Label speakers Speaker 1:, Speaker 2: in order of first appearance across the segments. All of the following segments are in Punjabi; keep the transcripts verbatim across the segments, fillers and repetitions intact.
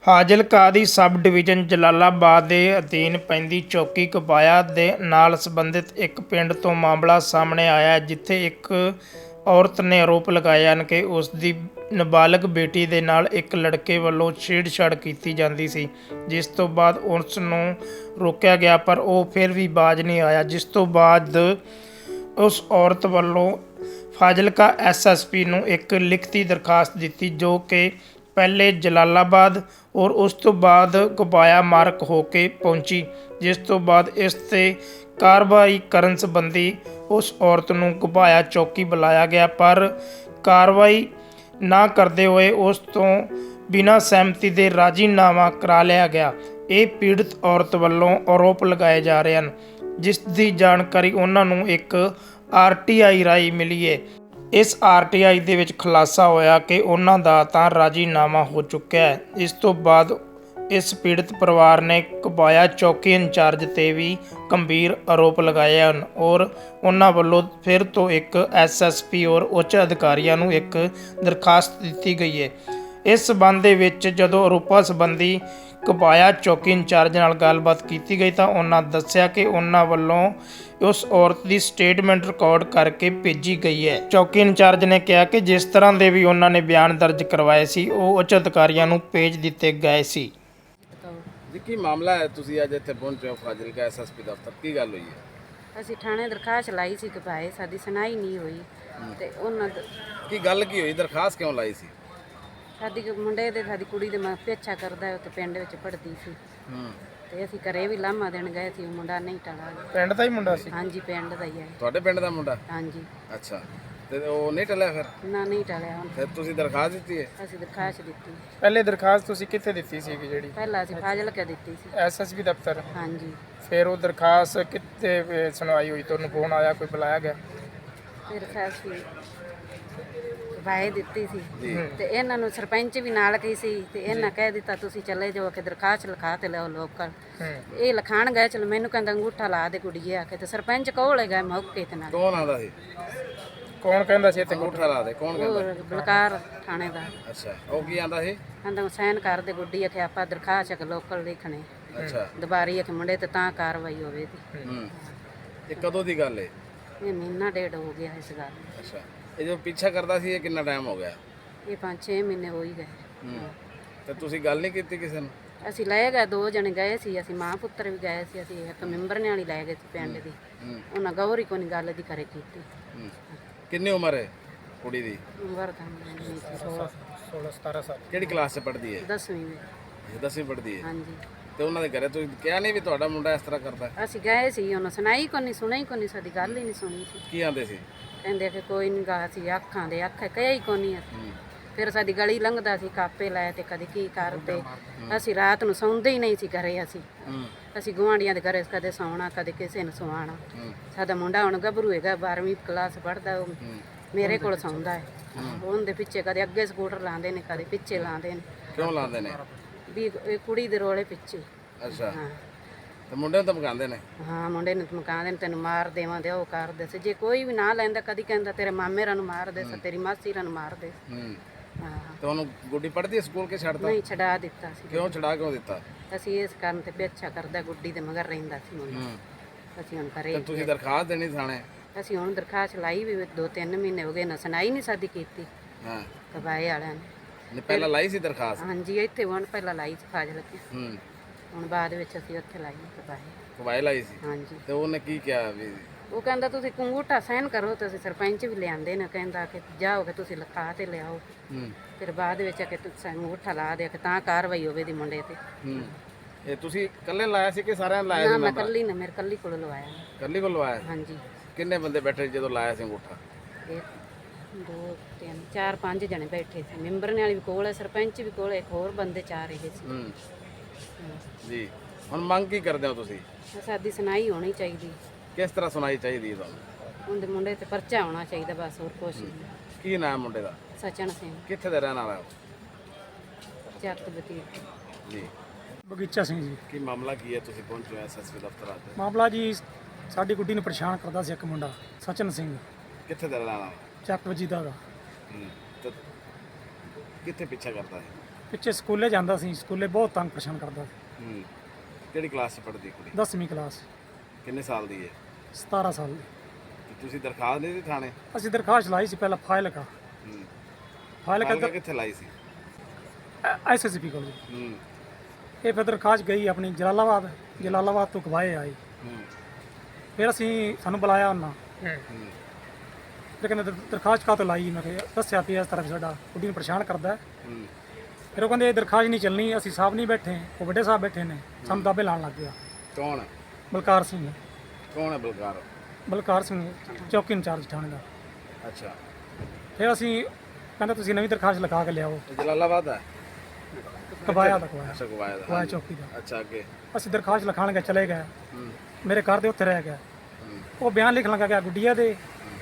Speaker 1: ਫਾਜ਼ਿਲਕਾ ਦੀ ਸਬ ਡਿਵੀਜ਼ਨ ਜਲਾਲਾਬਾਦ ਦੇ ਅਧੀਨ ਪੈਂਦੀ ਚੌਕੀ ਕਬਾਇਆ ਦੇ ਨਾਲ ਸੰਬੰਧਿਤ ਇੱਕ ਪਿੰਡ ਤੋਂ ਮਾਮਲਾ ਸਾਹਮਣੇ ਆਇਆ ਹੈ, ਜਿੱਥੇ ਇੱਕ ਔਰਤ ਨੇ ਆਰੋਪ ਲਗਾਏ ਹਨ ਕਿ ਉਸ ਦੀ ਨਾਬਾਲਗ ਬੇਟੀ ਦੇ ਨਾਲ ਇੱਕ ਲੜਕੇ ਵੱਲੋਂ ਛੇੜਛਾੜ ਕੀਤੀ ਜਾਂਦੀ ਸੀ, ਜਿਸ ਤੋਂ ਬਾਅਦ ਉਸ ਨੂੰ ਰੋਕਿਆ ਗਿਆ ਪਰ ਉਹ ਫਿਰ ਵੀ ਬਾਜ਼ ਨਹੀਂ ਆਇਆ, ਜਿਸ ਤੋਂ ਬਾਅਦ ਉਸ ਔਰਤ ਵੱਲੋਂ ਫਾਜ਼ਿਲਕਾ ਐਸ ਐਸ ਪੀ ਨੂੰ ਇੱਕ ਲਿਖਤੀ ਦਰਖਾਸਤ ਦਿੱਤੀ, ਜੋ ਕਿ ਪਹਿਲੇ ਜਲਾਲਾਬਾਦ ਔਰ ਉਸ ਤੋਂ ਬਾਅਦ ਕਬਾਇਆ ਮਾਰਕ ਹੋ ਕੇ ਪਹੁੰਚੀ, ਜਿਸ ਤੋਂ ਬਾਅਦ ਇਸ 'ਤੇ ਕਾਰਵਾਈ ਕਰਨ ਸੰਬੰਧੀ ਉਸ ਔਰਤ ਨੂੰ ਕਬਾਇਆ ਚੌਕੀ ਬੁਲਾਇਆ ਗਿਆ, ਪਰ ਕਾਰਵਾਈ ਨਾ ਕਰਦੇ ਹੋਏ ਉਸ ਤੋਂ ਬਿਨਾਂ ਸਹਿਮਤੀ ਦੇ ਰਾਜ਼ੀਨਾਮਾ ਕਰਾ ਲਿਆ ਗਿਆ। ਇਹ ਪੀੜਤ ਔਰਤ ਵੱਲੋਂ ਆਰੋਪ ਲਗਾਏ ਜਾ ਰਹੇ ਹਨ, ਜਿਸ ਦੀ ਜਾਣਕਾਰੀ ਉਹਨਾਂ ਨੂੰ ਇੱਕ ਆਰ ਟੀ ਆਈ ਰਾਹੀਂ ਮਿਲੀ ਹੈ। ਇਸ ਆਰ ਟੀ ਆਈ ਦੇ ਵਿੱਚ ਖੁਲਾਸਾ ਹੋਇਆ ਕਿ ਉਹਨਾਂ ਦਾ ਤਾਂ ਰਾਜ਼ੀਨਾਮਾ ਹੋ ਚੁੱਕਿਆ ਹੈ। ਇਸ ਤੋਂ ਬਾਅਦ ਇਸ ਪੀੜਤ ਪਰਿਵਾਰ ਨੇ ਕਬਾਇਆ ਚੌਕੀ ਇੰਚਾਰਜ 'ਤੇ ਵੀ ਗੰਭੀਰ ਆਰੋਪ ਲਗਾਏ ਹਨ ਔਰ ਉਹਨਾਂ ਵੱਲੋਂ ਫਿਰ ਤੋਂ ਇੱਕ ਐਸ ਐਸ ਪੀ ਔਰ ਉੱਚ ਅਧਿਕਾਰੀਆਂ ਨੂੰ ਇੱਕ ਦਰਖਾਸਤ ਦਿੱਤੀ ਗਈ ਹੈ। ਇਸ ਸਬੰਧ ਦੇ ਵਿੱਚ ਜਦੋਂ ਆਰੋਪਾਂ ਸੰਬੰਧੀ ਕਬਾਇਆ ਚੌਕੀ ਇੰਚਾਰਜ ਨਾਲ ਗੱਲਬਾਤ ਕੀਤੀ ਗਈ ਤਾਂ ਉਹਨਾਂ ਦੱਸਿਆ ਕਿ ਉਹਨਾਂ ਵੱਲੋਂ ਉਸ ਔਰਤ ਦੀ ਸਟੇਟਮੈਂਟ ਰਿਕਾਰਡ ਕਰਕੇ ਭੇਜੀ ਗਈ ਹੈ। ਚੌਕੀ ਇੰਚਾਰਜ ਨੇ ਕਿਹਾ ਕਿ ਜਿਸ ਤਰ੍ਹਾਂ ਦੇ ਵੀ ਉਹਨਾਂ ਨੇ ਬਿਆਨ ਦਰਜ ਕਰਵਾਏ ਸੀ ਉਹ ਉੱਚ ਅਧਿਕਾਰੀਆਂ ਨੂੰ ਭੇਜ ਦਿੱਤੇ ਗਏ ਸੀ।
Speaker 2: ਜੀ ਕੀ ਮਾਮਲਾ ਹੈ, ਤੁਸੀਂ ਅੱਜ ਇੱਥੇ ਪਹੁੰਚੇ ਹੋ ਫਾਜ਼ਿਲਕਾ ਐਸ ਐਸ ਪੀ ਦਫ਼ਤਰ, ਕੀ ਗੱਲ ਹੋਈ ਹੈ?
Speaker 3: ਅਸੀਂ ਥਾਣੇ ਦਰਖਾਸਤ ਲਾਈ ਸੀ ਕਿ ਭਾਈ ਸਾਡੀ ਸੁਣਾਈ ਨਹੀਂ ਹੋਈ ਤੇ ਉਹਨਾਂ ਦਾ
Speaker 2: ਕੀ ਗੱਲ ਕੀ ਹੋਈ, ਦਰਖਾਸਤ ਕਿਉਂ ਲਾਈ ਸੀ?
Speaker 3: ਸਾਡੀ ਮੁੰਡੇ ਦੇ ਸਾਡੀ ਕੁੜੀ ਦੇ ਮੈਂ ਪਿੱਛਾ ਕਰਦਾ ਤੇ ਪਿੰਡ ਵਿੱਚ ਪੜ੍ਹਦੀ ਸੀ
Speaker 2: ਹੂੰ
Speaker 3: ਤੇ ਅਸੀਂ ਘਰੇ ਵੀ ਲਾਮਾ ਦੇਣ ਗਏ ਸੀ, ਉਹ ਮੁੰਡਾ ਨਹੀਂ ਟਲਾ ਗਿਆ।
Speaker 1: ਪਿੰਡ ਦਾ ਹੀ ਮੁੰਡਾ ਸੀ?
Speaker 3: ਹਾਂਜੀ ਪਿੰਡ ਦਾ ਹੀ ਹੈ।
Speaker 2: ਤੁਹਾਡੇ ਪਿੰਡ ਦਾ ਮੁੰਡਾ?
Speaker 3: ਹਾਂਜੀ।
Speaker 2: ਅੱਛਾ, ਤੇ ਉਹ ਨਹੀਂ ਟਲਿਆ ਫਿਰ?
Speaker 3: ਨਾ ਨਹੀਂ ਟਲਿਆ ਹੁਣ।
Speaker 2: ਫਿਰ ਤੁਸੀਂ ਦਰਖਾਸਤ ਦਿੱਤੀ ਹੈ?
Speaker 3: ਅਸੀਂ ਦਰਖਾਸਤ ਦਿੱਤੀ।
Speaker 1: ਪਹਿਲੇ ਦਰਖਾਸਤ ਤੁਸੀਂ ਕਿੱਥੇ ਦਿੱਤੀ ਸੀ? ਜਿਹੜੀ
Speaker 3: ਪਹਿਲਾਂ ਅਸੀਂ ਫਾਜ਼ਿਲਕਾ ਦਿੱਤੀ ਸੀ।
Speaker 1: ਐਸ ਐਸ ਪੀ ਦਫ਼ਤਰ?
Speaker 3: ਹਾਂਜੀ।
Speaker 1: ਫਿਰ ਉਹ ਦਰਖਾਸਤ ਕਿੱਥੇ ਅਹ, ਸੁਣਵਾਈ ਹੋਈ? ਤੁਹਾਨੂੰ ਫੋਨ ਆਇਆ, ਕੋਈ ਬੁਲਾਇਆ ਗਿਆ?
Speaker 3: ਫਿਰ ਅਸੀਂ ਭਾਈ ਦਿੱਤੀ ਸੀ ਤੇ ਇਹਨਾਂ ਨੂੰ ਸਰਪੰਚ ਵੀ ਨਾਲ ਗਈ ਸੀ ਤੇ ਇਹਨਾਂ ਕਹਿ ਦਿੱਤਾ ਤੁਸੀਂ ਚਲੇ ਜਾਓ ਕਿ ਦਰਖਾਸਤ ਲਿਖਾ ਤੇ ਲਿਆਓ ਲੋਕਲ। ਇਹ ਲਿਖਾਣ ਗਏ, ਚਲੋ ਮੈਨੂੰ ਕਹਿੰਦਾ ਅੰਗੂਠਾ ਲਾ ਦੇ ਕੁੜੀਏ ਆ ਕੇ, ਤੇ ਸਰਪੰਚ ਕੋਲ ਗਏ ਮੌਕੇ ਤੇ ਨਾਲ।
Speaker 2: ਕੌਣ ਆਂਦਾ ਸੀ?
Speaker 1: ਕੌਣ ਕਹਿੰਦਾ ਸੀ ਇੱਥੇ
Speaker 2: ਅੰਗੂਠਾ ਲਾ ਦੇ? ਕੌਣ ਕਹਿੰਦਾ?
Speaker 3: ਉਹ ਬਲਕਾਰ ਥਾਣੇ ਦਾ।
Speaker 2: ਅੱਛਾ, ਉਹ ਕੀ ਆਂਦਾ ਸੀ?
Speaker 3: ਕਹਿੰਦਾ ਸਾਈਨ ਕਰ ਦੇ ਗੁੱਡੀ ਆ ਕਿ ਆਪਾਂ ਦਰਖਾਸਤ ਕਿ ਲੋਕਲ ਲਿਖਣੇ
Speaker 2: ਅੱਛਾ,
Speaker 3: ਦੁਬਾਰੀ ਆ ਕਿ ਮੁੰਡੇ ਤੇ ਤਾਂ ਕਾਰਵਾਈ ਹੋਵੇ ਦੀ।
Speaker 2: ਹੂੰ, ਇਹ ਕਦੋਂ ਦੀ ਗੱਲ ਹੈ?
Speaker 3: ਇਹ ਮਹੀਨਾ ਡੇਢ ਹੋ ਗਿਆ ਇਸ ਗੱਲ ਨੂੰ।
Speaker 2: ਅੱਛਾ, ਇਹ ਜੋ ਪਿੱਛਾ ਕਰਦਾ ਸੀ ਇਹ ਕਿੰਨਾ ਟਾਈਮ ਹੋ ਗਿਆ?
Speaker 3: ਇਹ ਪੰਜ ਛੇ ਮਹੀਨੇ ਹੋ ਹੀ ਗਏ।
Speaker 2: ਹੂੰ, ਤੇ ਤੁਸੀਂ ਗੱਲ ਨਹੀਂ ਕੀਤੀ ਕਿਸੇ ਨੂੰ?
Speaker 3: ਅਸੀਂ ਲੈ ਗਏ, ਦੋ ਜਣੇ ਗਏ ਸੀ, ਅਸੀਂ ਮਾਂ ਪੁੱਤਰ ਵੀ ਗਏ ਸੀ, ਅਸੀਂ ਇੱਕ ਮੈਂਬਰ ਨੇ ਵਾਲੀ ਲੈ ਗਏ ਸੀ ਪਿੰਡ ਦੀ।
Speaker 2: ਹੂੰ,
Speaker 3: ਉਹਨਾਂ ਗੌਰੀ ਕੋਈ ਗੱਲ ਦੀ ਕਰੇ ਕੀਤੀ।
Speaker 2: ਹੂੰ, ਕਿੰਨੀ ਉਮਰ ਹੈ ਕੁੜੀ ਦੀ?
Speaker 3: ਉਮਰ ਤਾਂ ਨਹੀਂ ਸੀ,
Speaker 1: ਸੋਲਾਂ ਸਤਾਰਾਂ ਸਾਲ।
Speaker 2: ਕਿਹੜੀ ਕਲਾਸ 'ਚ ਪੜ੍ਹਦੀ ਹੈ?
Speaker 3: ਦਸਵੀਂ ਵਿੱਚ।
Speaker 2: ਦਸਵੀਂ ਪੜ੍ਹਦੀ ਹੈ।
Speaker 3: ਹਾਂਜੀ।
Speaker 2: ਤੇ ਉਹਨਾਂ ਦੇ ਘਰੇ ਤੁਸੀਂ ਕਿਹਾ ਨਹੀਂ ਵੀ ਤੁਹਾਡਾ ਮੁੰਡਾ ਇਸ ਤਰ੍ਹਾਂ ਕਰਦਾ?
Speaker 3: ਅਸੀਂ ਗਏ ਸੀ, ਉਹਨਾਂ ਸੁਣਾਈ ਕੋਈ ਨਹੀਂ, ਸੁਣੀ ਕੋਈ ਨਹੀਂ, ਸਾਡੀ ਗੱਲ ਹੀ ਨਹੀਂ ਸੁਣੀ ਸੀ।
Speaker 2: ਕੀ ਆਂਦੇ ਸੀ?
Speaker 3: ਕਹਿੰਦੇ ਕਿ ਕੋਈ ਨਹੀਂ ਗਾ, ਅਸੀਂ ਅੱਖਾਂ ਦੇ ਅੱਖ ਕਹੇ ਹੀ ਕੋਈ ਨਹੀਂ।
Speaker 2: ਹੂੰ,
Speaker 3: ਫਿਰ ਸਾਡੀ ਗਲੀ ਲੰਘਦਾ ਸੀ, ਕਾਪੇ ਲੈ ਤੇ ਕਦੇ ਕੀ ਕਰਦੇ। ਅਸੀਂ ਰਾਤ ਨੂੰ ਸੌਂਦੇ ਹੀ ਨਹੀਂ ਸੀ ਘਰੇ। ਅਸੀਂ
Speaker 2: ਹੂੰ,
Speaker 3: ਅਸੀਂ ਗੁਆਂਢੀਆਂ ਦੇ ਘਰੇ ਕਦੇ ਸੌਣਾ, ਕਦੇ ਕਿਸੇ ਨੂੰ ਸਵਾਣਾ।
Speaker 2: ਹੂੰ,
Speaker 3: ਸਾਡਾ ਮੁੰਡਾ ਹੁਣ ਗੱਭਰੂ ਹੈਗਾ, ਬਾਰਵੀਂ ਕਲਾਸ ਪੜ੍ਹਦਾ, ਉਹ
Speaker 2: ਹੂੰ,
Speaker 3: ਮੇਰੇ ਕੋਲ ਸੌਂਦਾ ਹੈ। ਉਹਦੇ ਪਿੱਛੇ ਕਦੇ ਅੱਗੇ ਸਕੂਟਰ ਲਾਉਂਦੇ ਨੇ, ਕਦੇ ਪਿੱਛੇ ਲਾਉਂਦੇ ਨੇ।
Speaker 2: ਕਿਉਂ ਲਾਉਂਦੇ ਨੇ?
Speaker 3: ਵੀ ਇਹ ਕੁੜੀ ਦੇ ਰੋਲੇ ਪਿੱਛੇ।
Speaker 2: ਅੱਛਾ,
Speaker 3: ਹਾਂ
Speaker 2: ਤੇ ਮੁੰਡੇ ਨੂੰ ਧਮਕਾਉਂਦੇ ਨੇ?
Speaker 3: ਹਾਂ, ਮੁੰਡੇ ਨੂੰ ਧਮਕਾਉਂਦੇ ਨੇ, ਤੈਨੂੰ ਮਾਰ ਦੇਵਾਂਗੇ, ਉਹ ਕਰਦੇ ਸੀ। ਜੇ ਕੋਈ ਵੀ ਨਾ ਲੈਂਦਾ, ਕਦੀ ਕਹਿੰਦਾ ਤੇਰੇ ਮਾਮੇ ਰਾਂ ਨੂੰ ਮਾਰ ਦੇ, ਤੇਰੀ ਮਾਸੀ ਰਾਂ ਨੂੰ ਮਾਰ ਦੇ।
Speaker 2: ਹੂੰ,
Speaker 3: ਹਾਂ,
Speaker 2: ਤੇ ਉਹਨੂੰ ਗੁੱਡੀ ਪੜ੍ਹਦੀ ਹੈ ਸਕੂਲ ਕੇ ਛੱਡਤਾ?
Speaker 3: ਨਹੀਂ ਛਡਾ ਦਿੱਤਾ ਸੀ।
Speaker 2: ਕਿਉਂ ਛਡਾ ਕਿਉਂ ਦਿੱਤਾ?
Speaker 3: ਅਸੀਂ ਇਸ ਕਾਰਨ ਤੇ ਪਿੱਛਾ ਕਰਦਾ, ਗੁੱਡੀ ਦੇ ਮਗਰ ਰਹਿੰਦਾ ਸੀ ਮੁੰਡਾ।
Speaker 2: ਹੂੰ,
Speaker 3: ਅਸੀਂ ਹੁਣ
Speaker 2: ਤੇ
Speaker 3: ਕਰੇ,
Speaker 2: ਤੁਸੀਂ ਦਰਖਾਸਤ ਦੇਣੀ ਥਾਣੇ?
Speaker 3: ਅਸੀਂ ਹੁਣ ਦਰਖਾਸਤ ਲਾਈ ਵੀ ਦੋ ਤਿੰਨ ਮਹੀਨੇ ਹੋ ਗਏ ਨਾ, ਸੁਣਾਈ ਨਹੀਂ ਸਾਡੀ ਕੀਤੀ
Speaker 2: ਹਾਂ,
Speaker 3: ਕਬਾਏ ਵਾਲਿਆਂ ਨੇ।
Speaker 2: ਨੇ ਪਹਿਲਾਂ ਲਾਈ ਸੀ ਦਰਖਾਸਤ?
Speaker 3: ਹਾਂਜੀ, ਇੱਥੇ ਹੁਣ ਪਹਿਲਾਂ ਲਾਈ ਸੀ ਫਾਜ਼ਿਲਕਾ,
Speaker 2: ਹੂੰ,
Speaker 3: ਹੁਣ ਬਾਅਦ ਵਿੱਚ ਅਸੀਂ ਉੱਥੇ ਲਾਈ ਕਬਾਏ।
Speaker 2: ਕਬਾਇ ਲਾਈ ਸੀ?
Speaker 3: ਹਾਂਜੀ।
Speaker 2: ਤੇ ਉਹਨੇ ਕੀ ਕਿਹਾ ਵੀ?
Speaker 3: ਉਹ ਕਹਿੰਦਾ ਤੁਸੀਂ ਅੰਗੂਠਾ ਸਾਈਨ ਕਰੋ, ਤੇ ਅਸੀਂ ਸਰਪੰਚ ਵੀ ਲਿਆਂਦੇ ਨੇ, ਕਹਿੰਦਾ ਕਿ ਜਾਓ ਕਿ ਤੁਸੀਂ ਲਿਖਾ ਤੇ ਲਿਆਓ।
Speaker 2: ਹੂੰ,
Speaker 3: ਫਿਰ ਬਾਅਦ ਵਿੱਚ ਆ ਕਿ ਤੁਸੀਂ ਅੰਗੂਠਾ ਲਾ ਦੇ ਕਿ ਤਾਂ ਕਾਰਵਾਈ ਹੋਵੇ ਦੀ ਮੁੰਡੇ ਤੇ।
Speaker 2: ਹੂੰ, ਇਹ ਤੁਸੀਂ ਇਕੱਲੇ ਲਾਇਆ ਸੀ ਕਿ ਸਾਰਿਆਂ ਨੇ ਲਾਇਆ
Speaker 3: ਨਾ
Speaker 2: ਸੀ?
Speaker 3: ਮੈਂ ਕੱਲੀ ਨੇ, ਮੇਰੇ ਕੱਲੀ ਕੋਲ ਲਵਾਇਆ।
Speaker 2: ਇਕੱਲੀ ਕੋਲ ਲਵਾਇਆ?
Speaker 3: ਹਾਂਜੀ।
Speaker 2: ਕਿੰਨੇ ਬੰਦੇ ਬੈਠੇ ਜਦੋਂ ਲਾਇਆ ਸੀ ਅੰਗੂਠਾ?
Speaker 3: ਇੱਕ ਦੋ ਤਿੰਨ ਚਾਰ ਪੰਜ ਜਣੇ ਬੈਠੇ ਸੀ, ਮੈਂਬਰ ਨੇ ਵਾਲੀ ਵੀ ਕੋਲ ਹੈ, ਸਰਪੰਚ ਵੀ ਕੋਲ ਹੈ, ਇੱਕ ਹੋਰ ਬੰਦੇ ਚਾਰ ਰਹੇ ਸੀ।
Speaker 2: ਹੂੰ, ਜੀ, ਹੁਣ ਮੰਗ ਕੀ ਕਰਦੇ ਹੋ ਤੁਸੀਂ?
Speaker 3: ਸਾਡੀ ਸੁਣਾਈ ਹੋਣੀ ਚਾਹੀਦੀ,
Speaker 2: ਕਿਸ ਤਰ੍ਹਾਂ ਸੁਣਾਈ ਚਾਹੀਦੀ ਹੈ ਤੁਹਾਨੂੰ?
Speaker 3: ਉਹਦੇ ਮੁੰਡੇ ਤੇ ਪਰਚਾ ਹੋਣਾ ਚਾਹੀਦਾ, ਬਸ ਹੋਰ ਕੁਛ ਨਹੀਂ।
Speaker 2: ਕੀ ਨਾਮ ਮੁੰਡੇ ਦਾ?
Speaker 3: ਸਚਨ ਸਿੰਘ,
Speaker 2: ਕਿੱਥੇ ਦਾ ਰਹਿਣ ਵਾਲਾ?
Speaker 3: ਚੱਕ ਬਤੀਤ।
Speaker 2: ਜੀ,
Speaker 4: ਬਗੀਚਾ ਸਿੰਘ ਜੀ।
Speaker 2: ਕੀ ਮਾਮਲਾ ਕੀ ਹੈ, ਤੁਸੀਂ ਪਹੁੰਚੇ ਹੋ ਐਸ ਐਸ ਪੀ ਦਫ਼ਤਰ ਅੱਜ?
Speaker 4: ਮਾਮਲਾ ਜੀ, ਸਾਡੀ ਗੁੱਡੀ ਨੂੰ ਪਰੇਸ਼ਾਨ ਕਰਦਾ ਸੀ ਇੱਕ ਮੁੰਡਾ ਸਚਨ ਸਿੰਘ,
Speaker 2: ਕਿੱਥੇ ਦਾ ਰਹਿਣ ਵਾਲਾ?
Speaker 4: ਚੱਕ ਵਜੀਦਾ ਦਾ।
Speaker 2: ਹੂੰ, ਤੇ ਕਿੱਥੇ ਪਿੱਛਾ ਕਰਦਾ ਹੈ?
Speaker 4: ਪਿੱਛੇ ਸਕੂਲੇ ਜਾਂਦਾ ਸੀ, ਸਕੂਲੇ ਬਹੁਤ ਤੰਗ ਪਰੇਸ਼ਾਨ ਕਰਦਾ ਸੀ।
Speaker 2: ਹੂੰ ਕਿਹੜੀ ਕਲਾਸ 'ਚ ਪੜ੍ਹਦੀ ਕੁੜੀ?
Speaker 4: ਦਸਵੀਂ ਕਲਾਸ,
Speaker 2: ਕਿੰਨੇ ਸਾਲ ਦੀ ਹੈ?
Speaker 4: ਸਤਾਰਾਂ ਸਾਲ ਦੀ।
Speaker 2: ਤੇ ਤੁਸੀਂ ਦਰਖਾਸਤ ਨਹੀਂ ਦਿੱਤੀ ਥਾਣੇ?
Speaker 4: ਅਸੀਂ ਦਰਖਾਸਤ ਲਾਈ ਸੀ ਪਹਿਲਾਂ ਫਾਜ਼ਿਲਕਾ,
Speaker 2: ਹੂੰ
Speaker 4: ਫਾਜ਼ਿਲਕਾ
Speaker 2: ਫਾਜ਼ਿਲਕਾ ਕਿੱਥੇ ਲਾਈ ਸੀ?
Speaker 4: ਐਸ ਐਸ ਪੀ ਕੋਲ।
Speaker 2: ਹੂੰ
Speaker 4: ਇਹ ਫਿਰ ਦਰਖਾਸਤ ਗਈ ਆਪਣੀ ਜਲਾਲਾਬਾਦ, ਜਲਾਲਾਬਾਦ ਤੋਂ ਗਵਾਏ ਆਈ।
Speaker 2: ਹੂੰ
Speaker 4: ਫਿਰ ਅਸੀਂ ਸਾਨੂੰ ਬੁਲਾਇਆ ਉਹਨਾਂ,
Speaker 1: ਹੂੰ
Speaker 2: ਹੂੰ
Speaker 4: ਫਿਰ ਕਹਿੰਦੇ ਦਰ- ਦਰਖਾਸਤ ਕਾਹਤੋਂ ਲਾਈ? ਮੈਂ ਕਿਹਾ ਦੱਸਿਆ ਵੀ ਇਸ ਤਰ੍ਹਾਂ ਵੀ ਸਾਡਾ ਕੁੜੀ ਨੂੰ ਪਰੇਸ਼ਾਨ ਕਰਦਾ ਹੈ।
Speaker 2: ਹੂੰ
Speaker 4: ਫਿਰ ਉਹ ਕਹਿੰਦੇ ਇਹ ਦਰਖਾਸਤ ਨਹੀਂ ਚੱਲਣੀ, ਅਸੀਂ ਸਾਹਿਬ ਨਹੀਂ ਬੈਠੇ, ਉਹ ਵੱਡੇ ਸਾਹਿਬ ਬੈਠੇ ਨੇ, ਸਾਨੂੰ ਦਾਬੇ ਲਾਉਣ ਲੱਗ ਗਿਆ।
Speaker 2: ਕੌਣ ਹੈ?
Speaker 4: ਬਲਕਾਰ ਸਿੰਘ,
Speaker 2: ਕੌਣ ਹੈ ਬਲਕਾਰ?
Speaker 4: ਬਲਕਾਰ ਸਿੰਘ ਚੌਕੀ ਇੰਚਾਰਜ ਥਾਣੇ ਦਾ।
Speaker 2: ਅੱਛਾ
Speaker 4: ਫਿਰ ਅਸੀਂ ਕਹਿੰਦੇ ਤੁਸੀਂ ਨਵੀਂ ਦਰਖਾਸਤ ਲਿਖਾ ਕੇ ਲਿਆਓ,
Speaker 2: ਇਹ ਜਲਾਲਾਬਾਦ ਹੈ?
Speaker 4: ਕਬਾਇਆ ਦਾ ਕਬਾਇਆ
Speaker 2: ਅੱਛਾ ਗਵਾਇਆ ਦਾ।
Speaker 4: ਕਬਾਇਆ
Speaker 2: ਹਾਂਜੀ।
Speaker 4: ਚੌਕੀ ਦਾ।
Speaker 2: ਅੱਛਾ ਅੱਗੇ?
Speaker 4: ਅਸੀਂ ਦਰਖਾਸਤ ਲਿਖਾਣ ਗਏ, ਚਲੇ ਗਏ,
Speaker 2: ਹੂੰ
Speaker 4: ਮੇਰੇ ਘਰ ਦੇ ਉੱਥੇ ਰਹਿ ਗਿਆ।
Speaker 2: ਹੂੰ
Speaker 4: ਉਹ ਬਿਆਨ ਲਿਖਣ ਲੱਗਾ ਗਿਆ ਗੁੱਡੀਆ ਦੇ,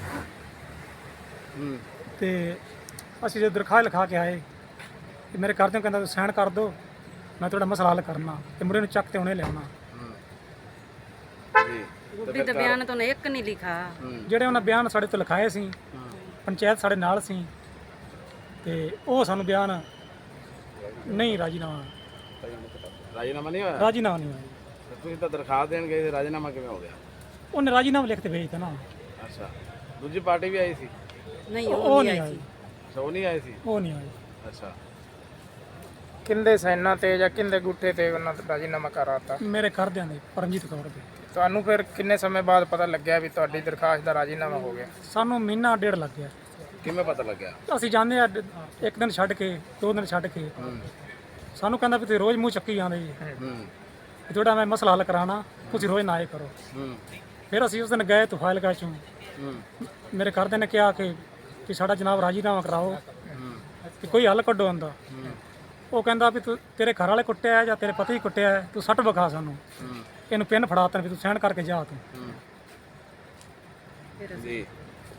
Speaker 2: ਹੂੰ
Speaker 4: ਤੇ ਅਸੀਂ ਜਦੋਂ ਦਰਖਾਸਤ ਲਿਖਾ ਕੇ ਆਏ ਤੇ ਮੇਰੇ ਘਰ ਦੇ ਕਹਿੰਦਾ ਤੁਸੀਂ ਸਾਈਨ ਕਰ ਦਿਓ, ਮੈਂ ਤੁਹਾਡਾ ਮਸਲਾ ਹੱਲ ਕਰਨਾ, ਤੇ ਮੁੰਡੇ ਨੂੰ ਚੱਕ ਤੇ ਹੁਣੇ ਲਿਆਉਣਾ।
Speaker 2: ਹੂੰ ਜੀ
Speaker 3: ਗੁੱਡੀ ਦਾ ਬਿਆਨ ਤੋਂ ਇੱਕ ਨਹੀਂ ਲਿਖਾ।
Speaker 2: ਹੂੰ
Speaker 4: ਜਿਹੜੇ ਉਹਨਾਂ ਬਿਆਨ ਸਾਡੇ ਤੋਂ ਲਿਖਾਏ ਸੀ,
Speaker 2: ਹੂੰ
Speaker 4: ਪੰਚਾਇਤ ਸਾਡੇ ਨਾਲ ਸੀ, ਤੇ ਉਹ ਸਾਨੂੰ ਬਿਆਨ ਨਹੀਂ ਰਾਜੀਨਾਮਾ
Speaker 2: ਰਾਜੀਨਾਮਾ ਨਹੀਂ ਹੋਇਆ?
Speaker 4: ਰਾਜੀਨਾਮਾ ਨਹੀਂ ਹੋਇਆ।
Speaker 2: ਤੇ ਤੁਸੀਂ ਤਾਂ ਦਰਖਾਸਤ ਦੇਣ ਗਏ ਸੀ, ਰਾਜੀਨਾਮਾ ਕਿਵੇਂ ਹੋ ਗਿਆ?
Speaker 4: ਉਹਨੇ ਰਾਜੀਨਾਮਾ ਲਿਖ ਕੇ ਭੇਜਤਾ ਨਾ।
Speaker 2: ਅੱਛਾ ਦੂਜੀ ਪਾਰਟੀ ਵੀ ਆਈ ਸੀ?
Speaker 3: ਨਹੀਂ
Speaker 4: ਉਹ
Speaker 3: ਉਹ
Speaker 4: ਨਹੀਂ
Speaker 3: ਨਹੀਂ
Speaker 4: ਆਈ,
Speaker 3: ਆਈ ਸੀ।
Speaker 2: ਅੱਛਾ ਉਹ ਨਹੀਂ ਆਏ ਸੀ?
Speaker 4: ਉਹ ਨਹੀਂ ਆਈ।
Speaker 2: ਅੱਛਾ
Speaker 1: ਕਿੰਦੇ ਸੈਨਾ ਤੇ ਜਾਂ ਕਿੰਦੇ ਗੁੱਠੇ ਤੇ ਉਹਨਾਂ ਦਾ ਰਾਜੀਨਾਮਾ ਕਰਾਤਾ?
Speaker 4: ਮੇਰੇ ਘਰਦਿਆਂ ਦੇ, ਪਰਮਜੀਤ ਕੌਰ ਦੇ।
Speaker 1: ਤੁਹਾਨੂੰ ਫਿਰ ਕਿੰਨੇ ਸਮੇਂ ਬਾਅਦ ਪਤਾ ਲੱਗਿਆ ਵੀ ਤੁਹਾਡੀ ਦਰਖਾਸਤ ਦਾ ਰਾਜੀਨਾਮਾ ਹੋ ਗਿਆ?
Speaker 4: ਸਾਨੂੰ ਮਹੀਨਾ ਡੇਢ ਲੱਗ ਗਿਆ।
Speaker 2: ਕਿਵੇਂ ਪਤਾ ਲੱਗਿਆ?
Speaker 4: ਅਸੀਂ ਜਾਂਦੇ ਆ ਡ- ਇੱਕ ਦਿਨ ਛੱਡ ਕੇ, ਦੋ ਦਿਨ ਛੱਡ ਕੇ,
Speaker 2: ਹੂੰ
Speaker 4: ਸਾਨੂੰ ਕਹਿੰਦਾ ਵੀ ਤੁਸੀਂ ਰੋਜ਼ ਮੂੰਹ ਚੱਕੀ ਜਾਂਦੇ ਜੀ,
Speaker 2: ਹੂੰ
Speaker 4: ਵੀ ਤੁਹਾਡਾ ਮੈਂ ਮਸਲਾ ਹੱਲ ਕਰਾਉਣਾ, ਤੁਸੀਂ ਰੋਜ਼ ਨਾ ਆਏ ਕਰੋ।
Speaker 2: ਹੂੰ
Speaker 4: ਫਿਰ ਅਸੀਂ ਉਸ ਦਿਨ ਗਏ ਤੁਫਾਇਲਕਾ ਚੋਂ,
Speaker 2: ਹੂੰ
Speaker 4: ਮੇਰੇ ਘਰਦਿਆਂ ਨੇ ਕਿਹਾ ਕਿ ਕਿ ਸਾਡਾ ਜਨਾਬ ਰਾਜੀਨਾਮਾ ਕਰਾਓ,
Speaker 2: ਹੂੰ
Speaker 4: ਕਿ ਕੋਈ ਹੱਲ ਕੱਢੋ ਆਂਦਾ। ਉਹ ਕਹਿੰਦਾ ਵੀ ਤੂੰ ਤੇਰੇ ਘਰ ਵਾਲੇ ਕੁੱਟਿਆ ਹੈ ਜਾਂ ਤੇਰੇ ਪਤੀ ਕੁੱਟਿਆ ਹੈ, ਤੂੰ ਸੱਟ ਵਿਖਾ ਸਾਨੂੰ,
Speaker 2: ਹੂੰ
Speaker 4: ਇਹਨੂੰ ਪਿੰਨ ਫੜਾ ਤਾ ਵੀ ਤੂੰ ਸਹਿਣ ਕਰਕੇ ਜਾ ਤੂੰ।
Speaker 2: ਹੂੰ
Speaker 3: ਫਿਰ ਅਸੀਂ
Speaker 2: ਜੀ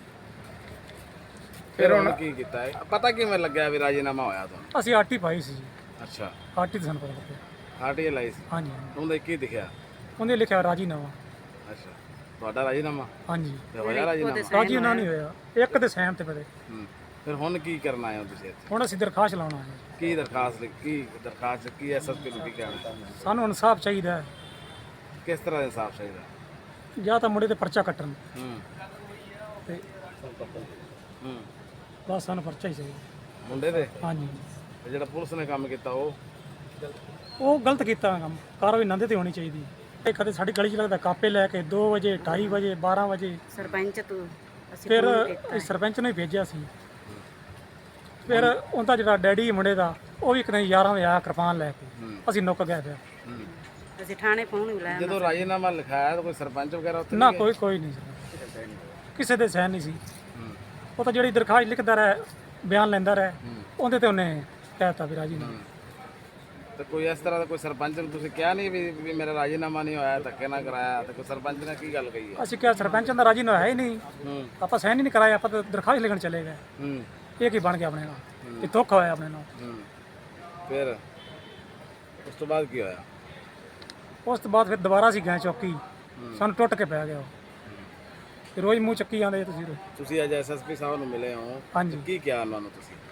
Speaker 2: ਫਿਰ ਹੁਣ ਕੀ ਕੀਤਾ ਹੈ? ਪਤਾ ਕਿਵੇਂ ਲੱਗਿਆ ਵੀ ਰਾਜੀਨਾਮਾ ਹੋਇਆ ਤੁਹਾਨੂੰ?
Speaker 4: ਅਸੀਂ ਆਰਟੀ ਪਾਈ ਸੀ ਜੀ,
Speaker 2: ਅੱਛਾ
Speaker 4: ਆਰਟੀ ਤੇ ਸਾਨੂੰ ਪਤਾ ਲੱਗਿਆ।
Speaker 2: ਆਰਟੀਏ ਲਾਈ ਸੀ?
Speaker 4: ਹਾਂਜੀ ਹਾਂਜੀ।
Speaker 2: ਉਹਦੇ ਕੀ ਦਿਖਿਆ?
Speaker 4: ਉਹਨੇ ਲਿਖਿਆ ਰਾਜੀਨਾਮਾ।
Speaker 2: ਅੱਛਾ ਤੁਹਾਡਾ ਰਾਜੀਨਾਮਾ
Speaker 4: ਹਾਂਜੀ,
Speaker 2: ਤੇ ਹੋਇਆ ਰਾਜੀਨਾਮਾ?
Speaker 4: ਰਾਜੀਨਾਮਾ ਨਹੀਂ ਹੋਇਆ, ਇੱਕ ਦੇ ਸਹਿਣ ਤੇ ਪਏ।
Speaker 2: ਹੂੰ ਫਿਰ ਹੁਣ ਕੀ ਕਰਨਾ ਆਏ ਹੋ ਤੁਸੀਂ ਇੱਥੇ?
Speaker 4: ਹੁਣ ਅਸੀਂ ਦਰਖਾਸਤ ਲਾਉਣਾ ਹੈ,
Speaker 2: ਕੀ ਦਰਖਾਸਤ ਲਿਖ- ਕੀ ਦਰਖਾਸਤ 'ਚ ਕੀ ਐਸਐਸਪੀ ਨੂੰ ਕੀ ਕਹਿਣਾ?
Speaker 4: ਸਾਨੂੰ ਇਨਸਾਫ ਚਾਹੀਦਾ ਹੈ,
Speaker 2: ਕਿਸ ਤਰ੍ਹਾਂ ਦਾ ਇਨਸਾਫ ਚਾਹੀਦਾ?
Speaker 4: ਜਾਂ ਤਾਂ ਮੁੰਡੇ ਤੇ ਪਰਚਾ ਕੱਟਣ,
Speaker 2: ਹੂੰ
Speaker 4: ਤੇ
Speaker 2: ਹੂੰ
Speaker 4: ਬਸ ਸਾਨੂੰ ਪਰਚਾ ਹੀ ਚਾਹੀਦਾ।
Speaker 2: ਮੁੰਡੇ ਦੇ
Speaker 4: ਹਾਂਜੀ,
Speaker 2: ਤੇ ਜਿਹੜਾ ਪੁਲਿਸ ਨੇ ਕੰਮ ਕੀਤਾ ਉਹ?
Speaker 4: ਉਹ ਗਲਤ ਕੀਤਾ ਕੰਮ, ਕਾਰਵਾਈ ਨੰਦੇ ਤੇ ਹੋਣੀ ਚਾਹੀਦੀ। ਇਹ ਕਦੇ ਸਾਡੀ ਗਲੀ 'ਚ ਲੱਗਦਾ ਕਾਪੇ ਲੈ ਕੇ ਦੋ ਵਜੇ, ਢਾਈ ਵਜੇ, ਬਾਰਾਂ ਵਜੇ।
Speaker 3: ਸਰਪੰਚ ਤੋਂ ਅਸੀਂ
Speaker 4: ਫਿਰ
Speaker 3: ਫੋਨ ਕੀਤਾ।
Speaker 4: ਇਹ ਸਰਪੰਚ ਨੇ ਭੇਜਿਆ ਸੀ। ਫਿਰ ਉਹਦਾ ਜਿਹੜਾ ਡੈਡੀ ਮੁੰਡੇ ਦਾ, ਉਹ ਵੀ ਕਿਤੇ ਯਾਰਾਂ ਵਜੇ ਆਇਆ ਕਿਰਪਾਨ ਲੈ ਕੇ,
Speaker 2: ਹੂੰ
Speaker 4: ਅਸੀਂ ਨੁੱਕ ਗਏ ਫਿਰ।
Speaker 2: ਹੂੰ
Speaker 3: ਅਸੀਂ ਥਾਣੇ ਫੋਨ ਵੀ ਲਾਇਆ।
Speaker 2: ਜਦੋਂ ਰਾਜੀਨਾਮਾ ਲਿਖਾਇਆ ਤਾਂ ਕੋਈ ਸਰਪੰਚ ਵਗੈਰਾ ਉੱਥੇ
Speaker 4: ਨਾ
Speaker 2: ਨਹੀਂ
Speaker 4: ਕੋਈ ਕੋਈ ਨਹੀਂ ਸੀ, ਕਿਸੇ ਦੇ ਸਹਿਨ ਨਹੀਂ ਸੀ।
Speaker 2: ਗਏ? ਹੂੰ
Speaker 4: ਉਹ ਤਾਂ ਜਿਹੜੀ ਦਰਖਾਸਤ ਲਿਖਦਾ ਰਿਹਾ, ਬਿਆਨ ਲੈਂਦਾ ਰਿਹਾ,
Speaker 2: ਹੂੰ
Speaker 4: ਉਹਦੇ ਤੇ ਉਹਨੇ ਕਹਿਤਾ ਵੀ ਰਾਜੀ ਨਹੀਂ।
Speaker 2: ਤੇ ਕੋਈ ਇਸ ਤਰ੍ਹਾਂ ਦਾ ਕੋਈ ਸਰਪੰਚ ਨੂੰ ਤੁਸੀਂ ਕਿਹਾ ਨਹੀਂ ਵੀ ਵੀ ਮੇਰਾ ਰਾਜੀਨਾਮਾ ਨਹੀਂ ਹੋਇਆ, ਧੱਕੇ ਨਾ ਕਰਾਇਆ? ਤੇ ਕੋਈ ਸਰਪੰਚ ਨੇ ਕੀ ਗੱਲ ਕਹੀ ਹੈ?
Speaker 4: ਅਸੀਂ ਕਿਹਾ ਸਰਪੰਚ ਦਾ ਰਾਜੀ ਹੋਇਆ ਹੀ ਨਹੀਂ,
Speaker 2: ਹੂੰ
Speaker 4: ਆਪਾਂ ਸਹਿਨ ਹੀ ਨਹੀਂ ਕਰਾਇਆ, ਆਪਾਂ ਤਾਂ ਦਰਖਾਸਤ ਲਿਖਣ ਚਲੇ ਗਏ।
Speaker 2: ਹੂੰ
Speaker 4: ਇਹ ਕੀ ਬਣ ਗਿਆ ਆਪਣੇ ਨਾਲ, ਇਹ ਧੋਖਾ ਹੋਇਆ ਆਪਣੇ ਨਾਲ।
Speaker 2: ਹੂੰ ਫਿਰ ਉਸ ਤੋਂ ਬਾਅਦ ਕੀ ਹੋਇਆ?
Speaker 4: ਉਸ ਤੋਂ ਬਾਅਦ ਫਿਰ ਦੁਬਾਰਾ ਅਸੀਂ ਗਏ ਚੌਕੀ, ਸਾਨੂੰ ਟੁੱਟ ਕੇ ਪੈ ਗਿਆ ਉਹ। ਤੇ ਰੋਜ਼ ਮੂੰਹ ਚੱਕੀ ਜਾਂਦੇ ਤੁਸੀਂ।
Speaker 2: ਤੁਸੀਂ ਅੱਜ ਐਸਐਸਪੀ ਸਾਹਿਬ ਨੂੰ ਮਿਲੇ ਹੋ,
Speaker 4: ਹਾਂਜੀ,
Speaker 2: ਕੀ ਕਿਹਾ ਉਹਨਾਂ ਨੂੰ ਤੁਸੀਂ?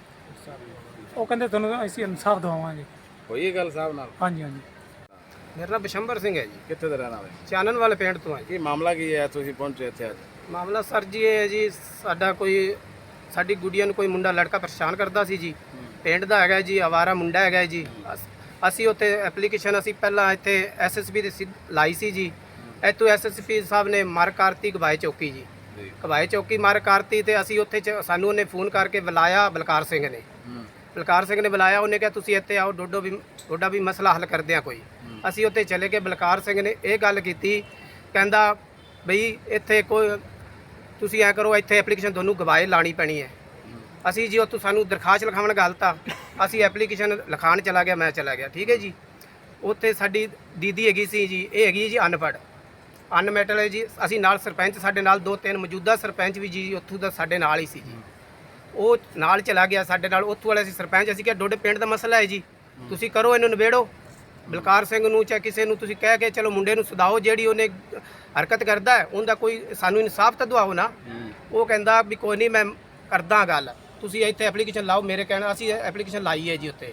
Speaker 4: ਉਹ ਕਹਿੰਦੇ ਤੁਹਾਨੂੰ ਅਸੀਂ ਇਨਸਾਫ ਦਵਾਵਾਂਗੇ।
Speaker 2: ਹੋਈ ਇਹ ਗੱਲ ਸਾਹਿਬ ਨਾਲ?
Speaker 4: ਹਾਂਜੀ ਹਾਂਜੀ।
Speaker 5: ਮੇਰਾ ਨਾਮ ਬਿਸ਼ੰਬਰ ਸਿੰਘ ਹੈ ਜੀ,
Speaker 2: ਕਿੱਥੇ ਦੇ ਰਹਿਣ ਵਾਲੇ?
Speaker 5: ਚਾਨਣ ਵਾਲੇ ਪਿੰਡ ਤੋਂ ਹੈ ਜੀ।
Speaker 2: ਕੀ ਮਾਮਲਾ ਕੀ ਹੈ ਤੁਸੀਂ ਪਹੁੰਚੇ ਇੱਥੇ ਅੱਜ?
Speaker 5: ਮਾਮਲਾ ਸਰ ਜੀ ਇਹ ਹੈ ਜੀ, ਸਾਡਾ ਕੋਈ ਸਾਡੀ ਗੁੱਡੀਆਂ ਨੂੰ ਕੋਈ ਮੁੰਡਾ ਲੜਕਾ ਪਰੇਸ਼ਾਨ ਕਰਦਾ ਸੀ ਜੀ, ਪਿੰਡ ਦਾ ਹੈਗਾ ਜੀ, ਆਵਾਰਾ ਮੁੰਡਾ ਹੈਗਾ ਜੀ। ਅਸ- ਅਸੀਂ ਉੱਥੇ ਐਪਲੀਕੇਸ਼ਨ ਅਸੀਂ ਪਹਿਲਾਂ ਇੱਥੇ ਐਸਐਸਪੀ ਦੇ ਸਿੱਧ ਲਾਈ ਸੀ ਜੀ। ਇੱਥੋਂ ਐਸਐਸਪੀ ਸਾਹਿਬ ਨੇ ਮਾਰ ਕਰਤੀ ਗਵਾਏ ਚੌਕੀ ਜੀ,
Speaker 2: ਜੀ
Speaker 5: ਗਵਾਏ ਚੌਕੀ ਮਾਰ ਕਰਤੀ। ਤੇ ਅਸੀਂ ਉੱਥੇ ਚ- ਸਾਨੂੰ ਉਹਨੇ ਫੋਨ ਕਰਕੇ ਬੁਲਾਇਆ, ਬਲਕਾਰ ਸਿੰਘ ਨੇ
Speaker 2: ਹੂੰ
Speaker 5: ਬਲਕਾਰ ਸਿੰਘ ਨੇ ਬੁਲਾਇਆ। ਉਹਨੇ ਕਿਹਾ ਤੁਸੀਂ ਇੱਥੇ ਆਓ, ਡੋਡੋ ਵੀ ਤੁਹਾਡਾ ਵੀ ਮਸਲਾ ਹੱਲ ਕਰਦੇ ਆ ਕੋਈ। ਅਸੀਂ ਉੱਥੇ ਚਲੇ ਗਏ। ਬਲਕਾਰ ਸਿੰਘ ਨੇ ਇਹ ਗੱਲ ਕੀਤੀ, ਕਹਿੰਦਾ ਬਈ ਇੱਥੇ ਕੋਈ ਤੁਸੀਂ ਐ ਕਰੋ, ਇੱਥੇ ਐਪਲੀਕੇਸ਼ਨ ਤੁਹਾਨੂੰ ਗਵਾਏ ਲਾਣੀ ਪੈਣੀ ਹੈ। ਅਸੀਂ ਜੀ ਉੱਥੋਂ ਸਾਨੂੰ ਦਰਖਾਸਤ ਲਿਖਾਉਣ ਗਲਤਾ, ਅਸੀਂ ਐਪਲੀਕੇਸ਼ਨ ਲਿਖਾਉਣ ਚਲਾ ਗਿਆ, ਮੈਂ ਚਲਾ ਗਿਆ, ਠੀਕ ਹੈ ਜੀ। ਉੱਥੇ ਸਾਡੀ ਦੀਦੀ ਹੈਗੀ ਸੀ ਜੀ, ਇਹ ਹੈਗੀ ਜੀ ਅਨਪੜ੍ਹ, ਅਨਮੈਟਲ ਹੈ ਜੀ। ਅਸੀਂ ਨਾਲ ਸਰਪੰਚ ਸਾਡੇ ਨਾਲ ਦੋ ਤਿੰਨ ਮੌਜੂਦਾ ਸਰਪੰਚ ਵੀ ਜੀ ਉੱਥੋਂ ਦਾ ਸਾਡੇ ਨਾਲ ਹੀ ਸੀ ਜੀ, ਉਹ ਨਾਲ ਚਲਾ ਗਿਆ ਸਾਡੇ ਨਾਲ। ਉੱਥੋਂ ਵਾਲੇ ਅਸੀਂ ਸਰਪੰਚ, ਅਸੀਂ ਕਿਹਾ ਡੋਡੇ ਪਿੰਡ ਦਾ ਮਸਲਾ ਹੈ ਜੀ, ਤੁਸੀਂ ਕਰੋ ਇਹਨੂੰ ਨਿਬੇੜੋ। ਬਲਕਾਰ ਸਿੰਘ ਨੂੰ ਚਾਹੇ ਕਿਸੇ ਨੂੰ ਤੁਸੀਂ ਕਹਿ ਕੇ ਚਲੋ ਮੁੰਡੇ ਨੂੰ ਸੁਧਾਓ, ਜਿਹੜੀ ਉਹਨੇ ਹਰਕਤ ਕਰਦਾ ਹੈ ਉਹਦਾ ਕੋਈ ਸਾਨੂੰ ਇਨਸਾਫ ਤਾਂ ਦਵਾਓ ਨਾ। ਉਹ ਕਹਿੰਦਾ ਵੀ ਕੋਈ ਨਹੀਂ ਮੈਂ ਕਰਦਾ ਗੱਲ, ਤੁਸੀਂ ਇੱਥੇ ਐਪਲੀਕੇਸ਼ਨ ਲਾਓ ਮੇਰੇ ਕਹਿਣਾ। ਅਸੀਂ ਐਪਲੀਕੇਸ਼ਨ ਲਾਈ ਹੈ ਜੀ ਉੱਥੇ।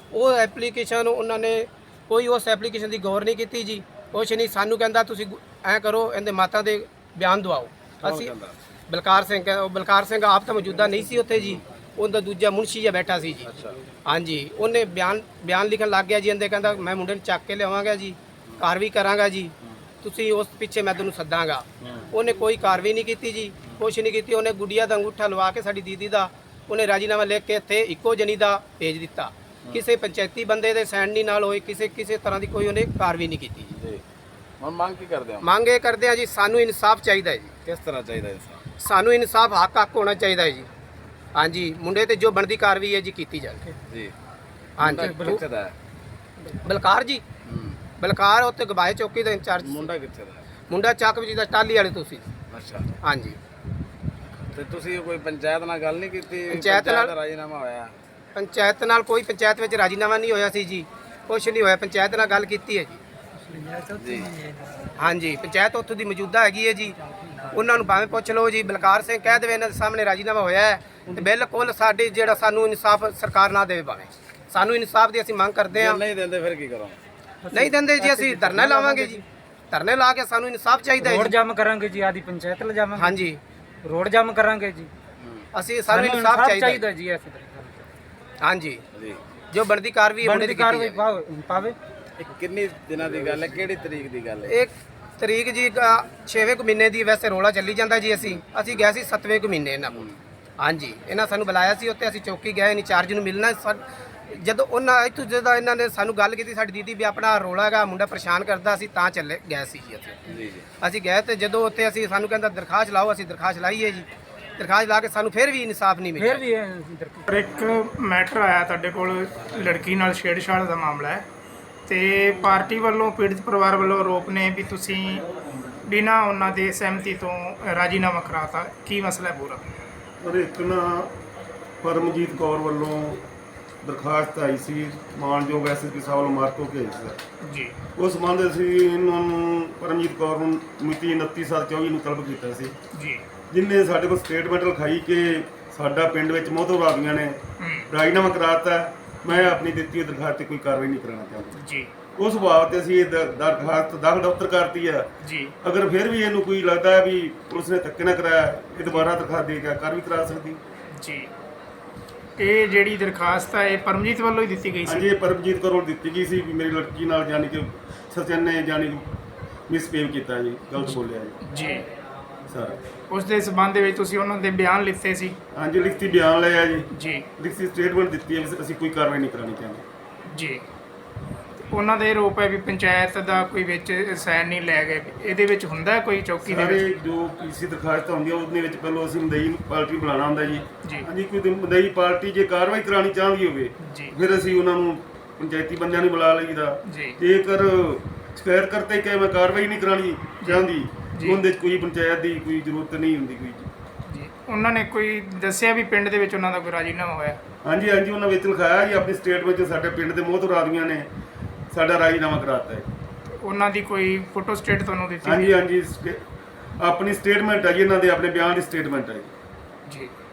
Speaker 5: ਉਹ ਐਪਲੀਕੇਸ਼ਨ ਉਹਨਾਂ ਨੇ ਕੋਈ ਉਸ ਐਪਲੀਕੇਸ਼ਨ ਦੀ ਗੌਰ ਨਹੀਂ ਕੀਤੀ ਜੀ। ਕੁਛ ਨਹੀਂ, ਸਾਨੂੰ ਕਹਿੰਦਾ ਤੁਸੀਂ ਐਂ ਕਰੋ, ਇਹਦੇ ਮਾਤਾ ਦੇ ਬਿਆਨ ਦਵਾਓ। ਅਸੀਂ ਬਲਕਾਰ ਸਿੰਘ ਕਹਿ- ਉਹ ਬਲਕਾਰ ਸਿੰਘ ਆਪ ਤਾਂ ਮੌਜੂਦਾ ਨਹੀਂ ਸੀ ਉੱਥੇ ਜੀ, ਉਹਦਾ ਦੂਜਾ ਮੁਨਸ਼ੀ ਜਿਹਾ ਬੈਠਾ ਸੀ ਜੀ। ਹਾਂਜੀ, ਉਹਨੇ ਬਿਆਨ ਬਿਆਨ ਲਿਖਣ ਲੱਗ ਗਿਆ ਜੀ। ਇਹਦੇ ਕਹਿੰਦਾ ਮੈਂ ਮੁੰਡੇ ਨੂੰ ਚੱਕ ਕੇ ਲਿਆਵਾਂਗਾ ਜੀ, ਕਾਰਵਾਈ ਕਰਾਂਗਾ ਜੀ, ਤੁਸੀਂ ਉਸ ਪਿੱਛੇ ਮੈਂ ਤੁਹਾਨੂੰ ਸੱਦਾਂਗਾ। ਉਹਨੇ ਕੋਈ ਕਾਰਵਾਈ ਨਹੀਂ ਕੀਤੀ ਜੀ, ਕੁਛ ਨਹੀਂ ਕੀਤੀ। ਉਹਨੇ ਗੁੱਡੀਆ ਦਾ ਅੰਗੂਠਾ ਲਵਾ ਕੇ ਸਾਡੀ ਦੀਦੀ ਦਾ ਉਹਨੇ ਰਾਜੀਨਾਮਾ ਲਿਖ ਕੇ ਇੱਥੇ ਇੱਕੋ ਜਣੀ ਦਾ ਭੇਜ ਦਿੱਤਾ। ਕਿਸੇ ਪੰਚਾਇਤੀ ਬੰਦੇ ਦੇ ਸਾਈਨ ਨਹੀਂ ਨਾਲ ਹੋਏ, ਕਿਸੇ ਕਿਸੇ ਤਰ੍ਹਾਂ ਦੀ ਕੋਈ ਉਹਨੇ ਕਾਰਵਾਈ ਨਹੀਂ ਕੀਤੀ ਜੀ।
Speaker 2: ਜੀ ਹੁਣ ਮੰਗ ਕੀ ਕਰਦੇ ਹੋ?
Speaker 5: ਮੰਗ ਇਹ ਕਰਦੇ ਆ ਜੀ, ਸਾਨੂੰ ਇਨਸਾਫ ਚਾਹੀਦਾ ਹੈ ਜੀ।
Speaker 2: ਕਿਸ ਤਰ੍ਹਾਂ ਚਾਹੀਦਾ ਇਨਸਾਨ?
Speaker 5: ਸਾਨੂੰ ਇਨਸਾਫ ਹੱਕ ਹੱਕ ਹੋਣਾ ਚਾਹੀਦਾ ਹੈ ਜੀ। ਹਾਂਜੀ, ਮੁੰਡੇ ਤੇ ਜੋ ਬਣਦੀ ਕਾਰਵਾਈ ਹੈ ਜੀ ਕੀਤੀ ਜਾਵੇ।
Speaker 2: ਜੀ
Speaker 5: ਹਾਂਜੀ,
Speaker 2: ਮੁੰਡਾ ਕਿੱਥੇ ਦਾ ਹੈ?
Speaker 5: ਬਲਕਾਰ ਜੀ,
Speaker 2: ਹੂੰ।
Speaker 5: ਬਲਕਾਰ ਉੱਥੇ ਗਵਾਏ ਚੌਕੀ ਦਾ ਇੰਚਾਰਜ।
Speaker 2: ਮੁੰਡਾ ਕਿੱਥੇ ਦਾ ਹੈ?
Speaker 5: ਮੁੰਡਾ ਚੱਕ ਵਿੱਚ ਦਾ ਟਾਲੀ ਵਾਲੇ ਤੁਸੀਂ।
Speaker 2: ਅੱਛਾ,
Speaker 5: ਹਾਂਜੀ,
Speaker 2: ਤੇ ਤੁਸੀਂ ਕੋਈ ਪੰਚਾਇਤ ਨਾਲ ਗੱਲ ਨਹੀਂ ਕੀਤੀ?
Speaker 5: ਪੰਚਾਇਤ ਨਾਲ-
Speaker 2: ਦਾ ਰਾਜੀਨਾਮਾ ਹੋਇਆ?
Speaker 5: ਪੰਚਾਇਤ ਨਾਲ ਕੋਈ ਪੰਚਾਇਤ ਵਿੱਚ ਰਾਜੀਨਾਮਾ ਨਹੀਂ ਹੋਇਆ ਸੀ ਜੀ, ਕੁਛ ਨਹੀਂ ਹੋਇਆ। ਪੰਚਾਇਤ ਨਾਲ ਗੱਲ ਕੀਤੀ ਹੈ ਜੀ।
Speaker 2: ਜੀ
Speaker 5: ਹਾਂਜੀ, ਪੰਚਾਇਤ ਉੱਥੋਂ ਦੀ ਮੌਜੂਦਾ ਹੈਗੀ ਹੈ ਜੀ। ਉਹਨਾਂ ਨੂੰ ਭਾਵੇਂ ਪੁੱਛ ਲਓ ਜੀ, ਬਲਕਾਰ ਸਿੰਘ ਕਹਿ ਦੇਵੇ ਇਹਨਾਂ ਦੇ ਸਾਹਮਣੇ ਰਾਜੀਨਾਮਾ ਹੋਇਆ ਹੈ, ਤੇ ਬਿਲਕੁਲ ਸਾਡੇ ਜਿਹੜਾ ਸਾਨੂੰ ਇਨਸਾਫ ਸਰਕਾਰ ਨਾ ਦੇਵੇ, ਭਾਵੇਂ ਸਾਨੂੰ ਇਨਸਾਫ ਦੀ ਅਸੀਂ ਮੰਗ ਕਰਦੇ
Speaker 2: ਜੇ
Speaker 5: ਹਾਂ।
Speaker 2: ਨਹੀਂ ਦਿੰਦੇ ਫਿਰ ਕੀ ਕਰੋ?
Speaker 5: ਨਹੀਂ ਦਿੰਦੇ ਜੀ, ਅਸੀਂ ਧਰਨਾ ਲਾਵਾਂਗੇ ਜੀ। ਧਰਨੇ ਲਾ ਕੇ ਸਾਨੂੰ ਇਨਸਾਫ ਚਾਹੀਦਾ ਹੈ
Speaker 4: ਰੋਡ
Speaker 5: ਜੀ।
Speaker 4: ਜਾਮ ਕਰਾਂਗੇ ਜੀ, ਆਦੀ ਪੰਚਾਇਤ ਲਿਜਾਵਾਂਗੇ।
Speaker 5: ਹਾਂਜੀ,
Speaker 4: ਰੋਡ ਜਾਮ ਕਰਾਂਗੇ ਜੀ,
Speaker 5: ਅਸੀਂ ਸਾਨੂੰ ਇਨਸਾਫ ਚਾਹੀਦਾ ਹੈ।
Speaker 4: ਜੀ। ਐਸੇ
Speaker 5: ਹਾਂਜੀ,
Speaker 2: ਜੀ
Speaker 5: ਜੋ ਬਣਦੀ ਕਾਰਵਾਈ ਹੋਣੀ
Speaker 4: ਬਣਦੀ
Speaker 5: ਦੀ
Speaker 4: ਕਾਰਵਾਈ
Speaker 5: ਕਾਰਵਾਈ
Speaker 4: ਪਾਵੇ।
Speaker 2: ਇਹ ਕਿੰਨੀ ਦਿਨਾਂ ਦੀ ਗੱਲ ਹੈ? ਕਿਹੜੀ ਤਰੀਕ ਦੀ ਗੱਲ ਹੈ?
Speaker 5: ਇੱਕ ਤਰੀਕ ਜੀ ਛੇਵੇਂ ਕੁ ਮਹੀਨੇ ਦੀ ਵੈਸੇ ਰੋਲਾ ਚੱਲੀ ਜਾਂਦਾ ਜੀ। ਅਸੀਂ ਅਸੀਂ ਗਏ ਸੀ ਸੱਤਵੇਂ ਕੁ ਮਹੀਨੇ ਇਹਨਾਂ ਕੋਲ। ਹਾਂਜੀ, ਇਹਨਾਂ ਸਾਨੂੰ ਬੁਲਾਇਆ ਸੀ, ਉੱਥੇ ਅਸੀਂ ਚੌਕੀ ਗਏ, ਇੰਚਾਰਜ ਨੂੰ ਮਿਲਣਾ। ਸਾ- ਜਦੋਂ ਉਹਨਾਂ ਇੱਥੋਂ ਜਦੋਂ ਇਹਨਾਂ ਨੇ ਸਾਨੂੰ ਗੱਲ ਕੀਤੀ, ਸਾਡੀ ਦੀਦੀ ਵੀ ਆਪਣਾ ਰੋਲਾ ਹੈਗਾ, ਮੁੰਡਾ ਪਰੇਸ਼ਾਨ ਕਰਦਾ, ਅਸੀਂ ਤਾਂ ਚੱਲੇ ਗਏ ਸੀ ਜੀ ਉੱਥੇ।
Speaker 2: ਜੀ ਜੀ
Speaker 5: ਅਸੀਂ ਗਏ ਤੇ ਜਦੋਂ ਉੱਥੇ ਅਸੀਂ ਸਾਨੂੰ ਕਹਿੰਦਾ ਦਰਖਾਸਤ ਲਾਓ, ਅਸੀਂ ਦਰਖਾਸਤ ਲਾਈ ਹੈ ਜੀ। ਦਰਖਾਸਤ ਲਾ ਕੇ ਸਾਨੂੰ ਫਿਰ ਵੀ ਇਨਸਾਫ ਨਹੀਂ ਮਿਲਿਆ।
Speaker 4: ਫਿਰ ਵੀ ਇਹ
Speaker 1: ਪਰ ਇੱਕ ਮੈਟਰ ਆਇਆ ਤੁਹਾਡੇ ਕੋਲ, ਲੜਕੀ ਨਾਲ ਛੇੜਛਾੜ ਦਾ ਮਾਮਲਾ ਹੈ, ਤੇ ਪਾਰਟੀ ਵੱਲੋਂ ਪੀੜਤ ਪਰਿਵਾਰ ਵੱਲੋਂ ਆਰੋਪ ਨੇ ਵੀ ਤੁਸੀਂ ਬਿਨਾਂ ਉਹਨਾਂ ਦੇ ਸਹਿਮਤੀ ਤੋਂ ਰਾਜੀਨਾਮਾ ਕਰਾਤਾ। ਕੀ ਮਸਲਾ ਹੈ ਪੂਰਾ?
Speaker 6: ਪਰ ਇੱਕ ਨਾ ਪਰਮਜੀਤ ਕੌਰ ਵੱਲੋਂ ਦਰਖਾਸਤ ਆਈ ਸੀ, ਮਾਨਯੋਗ ਐਸ ਐਸ ਪੀ ਸਾਹਿਬ ਵੱਲੋਂ ਮਾਰਕੋ ਭੇਜ ਸੀ
Speaker 1: ਜੀ।
Speaker 6: ਉਸ ਸੰਬੰਧ ਅਸੀਂ ਇਹਨਾਂ ਨੂੰ ਪਰਮਜੀਤ ਕੌਰ ਨੂੰ ਮਿਤੀ ਉਨੱਤੀ ਸੱਤ ਚੌਵੀ ਨੂੰ ਤਲਬ ਕੀਤਾ ਸੀ,
Speaker 1: ਜੀ
Speaker 6: ਜਿਨ੍ਹਾਂ ਨੇ ਸਾਡੇ ਕੋਲ ਸਟੇਟਮੈਂਟ ਲਿਖਾਈ ਕਿ ਸਾਡਾ ਪਿੰਡ ਵਿੱਚ ਮੋਹਤਬਰ ਆਦਮੀਆਂ ਨੇ ਰਾਜੀਨਾਮਾ ਕਰਾਤਾ, ਮੈਂ ਆਪਣੀ ਦਿੱਤੀ ਹੋਈ ਦਰਖਾਸਤ 'ਤੇ ਕੋਈ ਕਾਰਵਾਈ ਨਹੀਂ ਕਰਾਉਣਾ ਚਾਹੁੰਦਾ।
Speaker 1: ਜੀ
Speaker 6: ਉਸ ਬਾਬਤ ਤੇ ਅਸੀਂ ਇਹ ਦ- ਦਰਖਾਸਤ ਦਾਖਲ ਦਫ਼ਤਰ ਕਰਤੀ ਆ।
Speaker 1: ਜੀ
Speaker 6: ਅਗਰ ਫਿਰ ਵੀ ਇਹਨੂੰ ਕੋਈ ਲੱਗਦਾ ਹੈ ਵੀ ਪੁਲਿਸ ਨੇ ਧੱਕੇ ਨਾ ਕਰਾਇਆ, ਇਹ ਦੁਬਾਰਾ ਦਰਖਾਸਤ ਦੇ ਕੇ ਕਰ ਵੀ ਕਰਾ ਸਕਦੀ।
Speaker 1: ਜੀ ਇਹ ਜਿਹੜੀ ਦਰਖਾਸਤ ਹੈ ਇਹ ਪਰਮਜੀਤ ਵੱਲੋਂ ਹੀ ਦਿੱਤੀ ਗਈ ਸੀ?
Speaker 6: ਹਾਂਜੀ, ਇਹ ਪਰਮਜੀਤ ਕੌਰ ਵੱਲੋਂ ਦਿੱਤੀ ਗਈ ਸੀ ਵੀ ਮੇਰੀ ਲੜਕੀ ਨਾਲ ਜਾਣੀ ਕਿ ਸਚਨ ਨੇ ਜਾਣੀ ਮਿਸਬਿਹੇਵ ਕੀਤਾ ਜੀ, ਗਲਤ ਬੋਲਿਆ ਜੀ
Speaker 1: ਜੀ।
Speaker 6: ਸਰ।
Speaker 1: ਉਸ ਦੇ ਸਬੰਧ ਦੇ ਵਿੱਚ ਤੁਸੀਂ ਉਹਨਾਂ ਦੇ ਬਿਆਨ ਲਿਖਤੇ ਸੀ?
Speaker 6: ਹਾਂਜੀ, ਲਿਖਤੀ ਬਿਆਨ ਲਿਆ ਜੀ,
Speaker 1: ਜੀ
Speaker 6: ਲਿਖਤੀ ਸਟੇਟਮੈਂਟ ਦਿੱਤੀ ਹੈ ਵੀ ਅਸੀਂ ਕੋਈ ਕਾਰਵਾਈ ਨਹੀਂ ਕਰਾਉਣੀ ਚਾਹੁੰਦੇ।
Speaker 1: ਜੀ। ਉਹਨਾਂ ਦਾ ਇਹ ਆਰੋਪ ਹੈ ਵੀ ਪੰਚਾਇਤ ਦਾ ਕੋਈ ਵਿੱਚ ਸਾਈਨ ਨਹੀਂ ਲੈ ਗਏ। ਇਹਦੇ ਵਿੱਚ ਹੁੰਦਾ ਕੋਈ ਚੌਕੀ ਦੇ
Speaker 6: ਸਾਰੇ
Speaker 1: ਵਿੱਚ?
Speaker 6: ਜੋ ਕਿਸੇ ਦਰਖਾਸਤ ਹੁੰਦੀ ਹੈ ਉਹਦੇ ਵਿੱਚ ਪਹਿਲਾਂ ਅਸੀਂ ਮਦਈ ਪਾਰਟੀ ਬੁਲਾਉਣਾ ਹੁੰਦਾ ਜੀ।
Speaker 1: ਜੀ।
Speaker 6: ਹਾਂਜੀ, ਕੋਈ ਮਦਈ ਪਾਰਟੀ ਜੇ ਕਾਰਵਾਈ ਕਰਾਉਣੀ ਚਾਹੁੰਦੀ ਹੋਵੇ
Speaker 1: ਜੀ
Speaker 6: ਫਿਰ ਅਸੀਂ ਉਹਨਾਂ ਨੂੰ ਪੰਚਾਇਤੀ ਬੰਦਿਆਂ ਨੂੰ ਬੁਲਾ ਲਈਦਾ।
Speaker 1: ਜੀ
Speaker 6: ਜੇਕਰ ਸ਼ਿਕਾਇਤ ਕਰਤੇ ਕਿ ਮੈਂ ਕਾਰਵਾਈ ਨਹੀਂ ਕਰਾਉਣੀ ਚਾਹੁੰਦੀ,
Speaker 1: ਜੀ।
Speaker 6: ਉਹਦੇ 'ਚ ਕੋਈ ਪੰਚਾਇਤ ਦੀ ਕੋਈ ਜ਼ਰੂਰਤ ਨਹੀਂ ਹੁੰਦੀ ਕੋਈ ਜੀ।
Speaker 1: ਜੀ। ਉਹਨਾਂ ਨੇ ਕੋਈ ਦੱਸਿਆ ਵੀ ਪਿੰਡ ਦੇ ਵਿੱਚ ਉਹਨਾਂ ਦਾ ਕੋਈ ਰਾਜੀਨਾਮਾ ਹੋਇਆ?
Speaker 6: ਹਾਂਜੀ ਹਾਂਜੀ, ਉਹਨਾਂ ਵਿੱਚ ਲਿਖਾਇਆ ਜੀ ਆਪਣੀ ਸਟੇਟਮੈਂਟ 'ਚ ਸਾਡੇ ਪਿੰਡ ਦੇ ਮੋਹਤਬਰ ਆਦਮੀਆਂ ਨੇ ਸਾਡਾ ਰਾਜੀਨਾਮਾ ਕਰਾਤਾ ਹੈ।
Speaker 1: ਉਹਨਾਂ ਦੀ ਕੋਈ ਫੋਟੋ ਸਟੇਟ ਤੁਹਾਨੂੰ ਦਿੱਤੀ?
Speaker 6: ਹਾਂਜੀ ਹਾਂਜੀ, ਸਟੇ- ਆਪਣੀ ਸਟੇਟਮੈਂਟ ਹੈ ਜੀ, ਇਹਨਾਂ ਦੇ ਆਪਣੇ ਬਿਆਨ ਦੀ ਸਟੇਟਮੈਂਟ ਹੈ ਜੀ।
Speaker 1: ਜੀ।